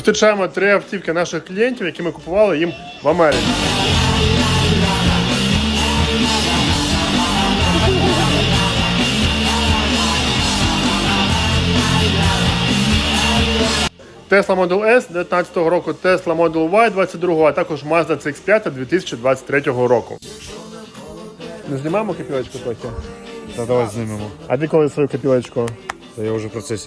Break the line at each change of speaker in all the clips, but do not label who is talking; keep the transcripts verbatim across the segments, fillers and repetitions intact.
Зустрічаємо три автівки наших клієнтів, які ми купували їм в Америці. Tesla Model S дев'ятнадцятого року, Tesla Model Y двадцять другого, а також Mazda ці ікс п'ять дві тисячі двадцять третього року. Не знімаємо копілочку трохи?
Та давай знімемо.
А ти коли свою копілочку?
Та я вже в процесі.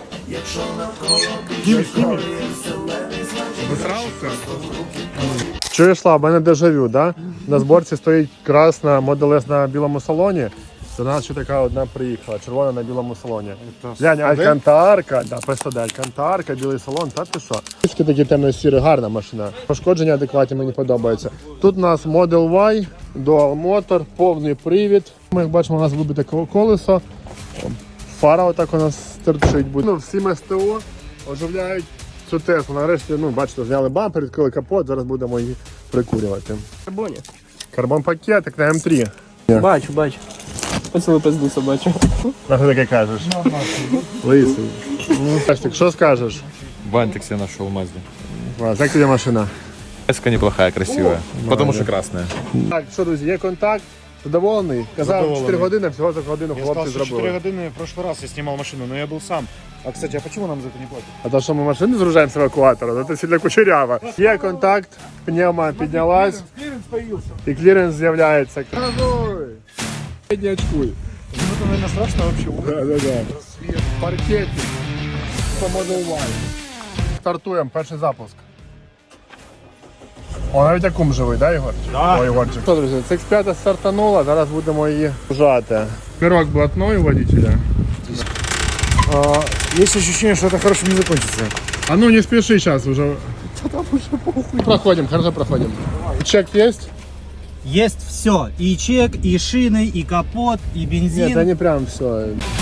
Чуєш, Слава, в мене дежавю, да? На зборці стоїть красна Model S на білому салоні. До нас ще така одна приїхала, червона на білому салоні. Глянь, Алькантарка, да, просто Алькантарка, білий салон, та ти що? Трішки такі темно-сірі, гарна машина. Пошкодження адекватні, мені подобається. Тут у нас Model Y, Dual Motor, повний привід. Ми, як бачимо, у нас вибите колесо. Фара отак у нас стирчить. Ну, всім ес те о оживляють цю Теслу. Нарешті, ну, бачите, зняли бампер, відкрили капот, зараз будемо її прикурювати.
Карбоні.
Карбон-пакетик на ем три.
Бачу, бачу. Поцілуй пизду собачу.
А що таке кажеш? Лисий. Костик, що скажеш?
Бантик себе нашел в Мазде.
Клас, як тобі машина?
Эска неплохая, красивая. Потому что красная.
Так, що, друзі, є контакт. Задоволений? Казав,
Задоволений.
чотири години, всього за годину
Я
хлопці
сказал, что четыре
зробили.
годины в прошлый раз я снимал машину, но я был сам. А, кстати, а почему нам за это не платят?
А то, що ми машини згружаємо з евакуатора, це сильно кучеряво. Є контакт, пневма піднялась,
Клиренс появился.
і кліренс з'являється. Не очкуй.
Ну, это, наверное, страшно вообще.
Да, да, да. Паркетик по Model Y. Стартуємо, перший запуск. О, навіть акум живий, да, Ігор?
Да.
Ой, Ігорчик. Що, друзі, ці ікс п'ять стартанула, зараз будемо її вжати. Пирог блатной у водителя.
А, есть ощущение, что это хорошим не закончится.
А ну не спеши сейчас уже. Проходим, хорошо проходим. Чек есть?
Есть все. И чек, и шины, и капот, и бензин.
Нет, да не прям все.